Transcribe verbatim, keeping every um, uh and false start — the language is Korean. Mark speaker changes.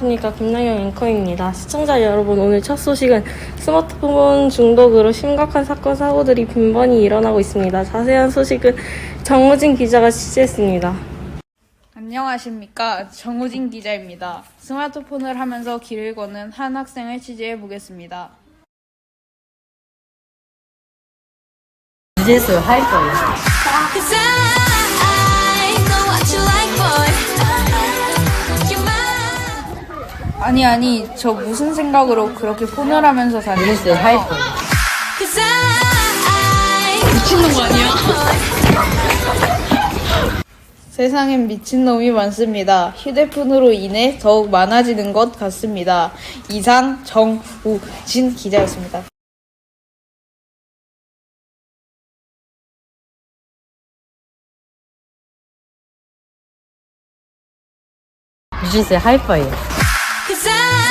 Speaker 1: 안녕하십니까. 김나영 앵커입니다. 시청자 여러분, 오늘 첫 소식은 스마트폰 중독으로 심각한 사건, 사고들이 빈번히 일어나고 있습니다. 자세한 소식은 정우진 기자가 취재했습니다.
Speaker 2: 안녕하십니까. 정우진 기자입니다. 스마트폰을 하면서 길을 걷는 한 학생을 취재해 보겠습니다.
Speaker 3: 유재수 하이퍼예요.
Speaker 2: 아니 아니 저 무슨 생각으로 그렇게 폰을 하면서 다니는
Speaker 3: 유재수 하이퍼예요.
Speaker 2: 미친놈 아니야? 세상엔 미친놈이 많습니다. 휴대폰으로 인해 더욱 많아지는 것 같습니다. 이상 정우진 기자였습니다.
Speaker 3: 유재수 하이퍼예요.